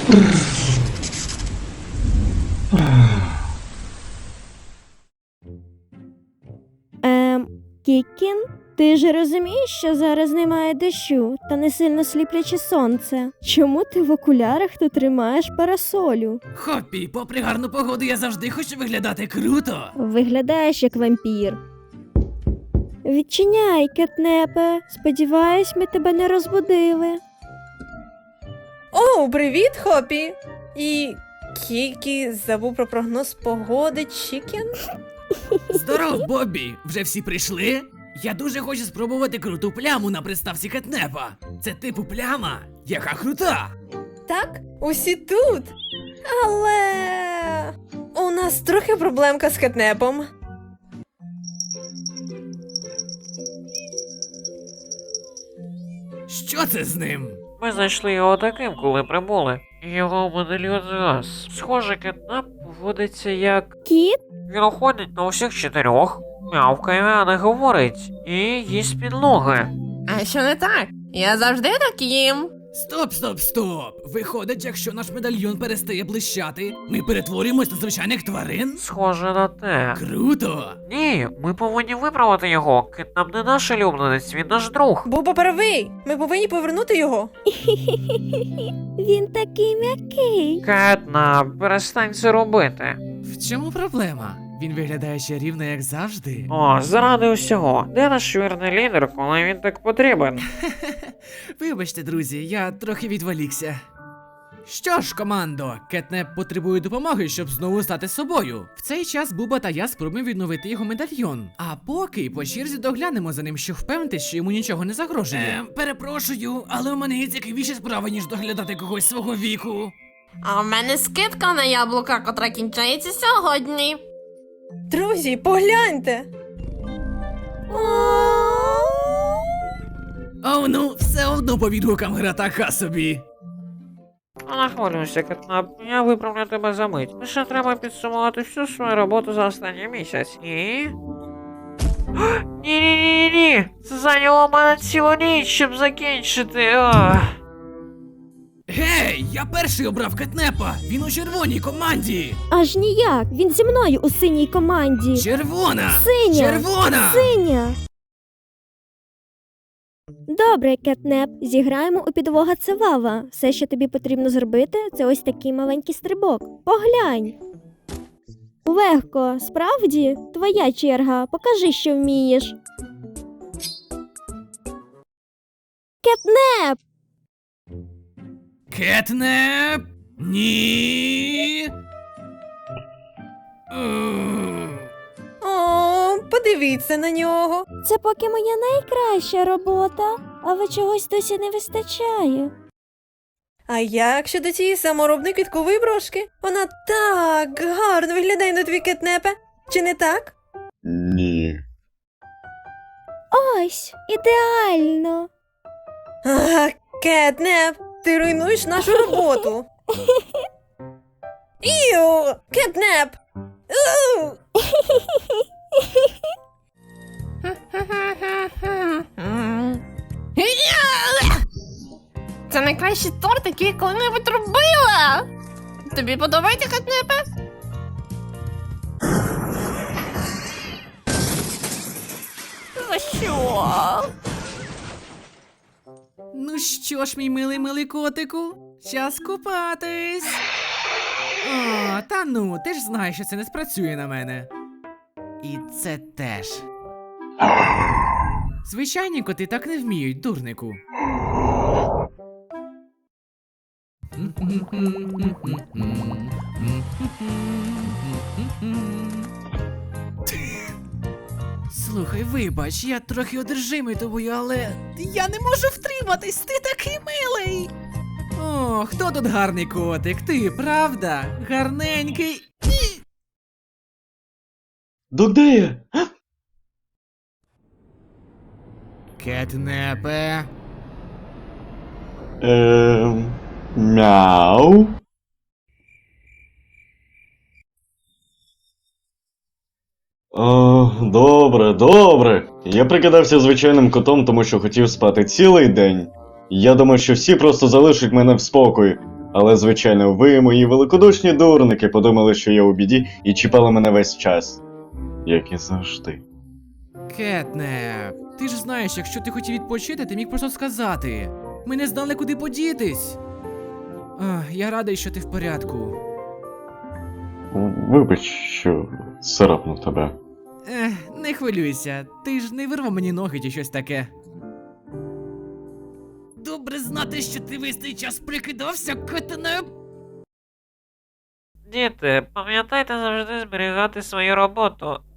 Кікін? Ти ж розумієш, що зараз немає дощу та не сильно сліпляче сонце. Чому ти в окулярах та тримаєш парасолю? Хоппі, попри гарну погоду, я завжди хочу виглядати круто. Виглядаєш як вампір. Відчиняй, кетнепе. Сподіваюсь, ми тебе не розбудили. О, привіт, Хопі! І Кікі забув про прогноз погоди Чікен? Здоров, Боббі! Вже всі прийшли? Я дуже хочу спробувати круту пляму на приставці кетнепа. Це типу пляма, яка крута. Так, усі тут. Але у нас трохи проблемка з кетнепом. Що це з ним? Ми знайшли його таким, коли прибули. Його медальйон згас. Схоже, кетнап поводиться як... Кіт? Він уходить на усіх чотирьох, мявкає, а не говорить, і їсть підлоги. А що не так? Я завжди так їм. Стоп! Виходить, якщо наш медальйон перестає блищати, ми перетворюємось на звичайних тварин? Схоже на те. Круто! Ні, ми повинні виправити його. Кетнап не наш улюбленець, він наш друг. Буба правий. Ми повинні повернути його. Він такий м'який. Кетнап, перестань це робити. В чому проблема? Він виглядає чарівно, як завжди. О, заради усього. Де наш вірний лідер, коли він так потрібен? Вибачте, друзі, я трохи відволікся. Що ж, командо, кетнеп потребує допомоги, щоб знову стати собою. В цей час Буба та я спробуємо відновити його медальйон. А поки по черзі доглянемо за ним, щоб впевнитись, що йому нічого не загрожує. Перепрошую, але у мене є цікавіші справи, ніж доглядати когось свого віку. А в мене скидка на яблука, котра кінчається сьогодні. Друзі, погляньте. Оу, ну, все одно по відгукам гра така собі. Не хвилюйся, Кетнап, я виправлю тебе за мить. Лише треба підсумувати всю свою роботу за останній місяць. І... Ні. Це зайняло мене цілу ніч, щоб закінчити. Гей, я перший обрав кетнепа! Він у червоній команді! Аж ніяк. Він зі мною у синій команді. Червона! Синя! Червона! Синя! Добре, кетнеп, зіграємо у підвога Цивава. Все, що тобі потрібно зробити, це ось такий маленький стрибок. Поглянь. Легко, справді? Твоя черга. Покажи, що вмієш. Кетнеп! Кетнеп! Ні! О, подивіться на нього. Це поки моя найкраща робота, але чогось досі не вистачає. А як щодо цієї саморобної квіткової брошки? Вона так гарно виглядає на твій кетнепе. Чи не так? Ні. Ось, ідеально. А, кетнеп, ти руйнуєш нашу роботу. Іу, кетнеп. Іу. Це найкращий торт, який я коли-небудь робила. Тобі подобається, кетнепе? За що? Ну що ж, мій милий котику, час купатись. О, та ну, ти ж знаєш, що це не спрацює на мене. І це теж. Звичайні коти так не вміють, дурнику. Слухай, вибач, я трохи одержимий тобою, але я не можу втриматись, ти такий милий. О, хто тут гарний котик? Ти, правда? Гарненький. Де я? Кетнепе. Мяу. О, добре. Я прикидався звичайним котом, тому що хотів спати цілий день. Я думав, що всі просто залишать мене в спокої. Але, звичайно, ви, мої великодушні дурники, подумали, що я у біді і чіпали мене весь час. Як і завжди. Кетнеп, ти ж знаєш, якщо ти хотів відпочити, ти міг просто сказати. Ми не знали, куди подітись. Я радий, що ти в порядку. Вибач, що царапнув тебе. Не хвилюйся, ти ж не вирвав мені ноги чи щось таке. Добре знати, що ти весь цей час прикидався, Кетнеп. Діти, пам'ятайте завжди зберігати свою роботу.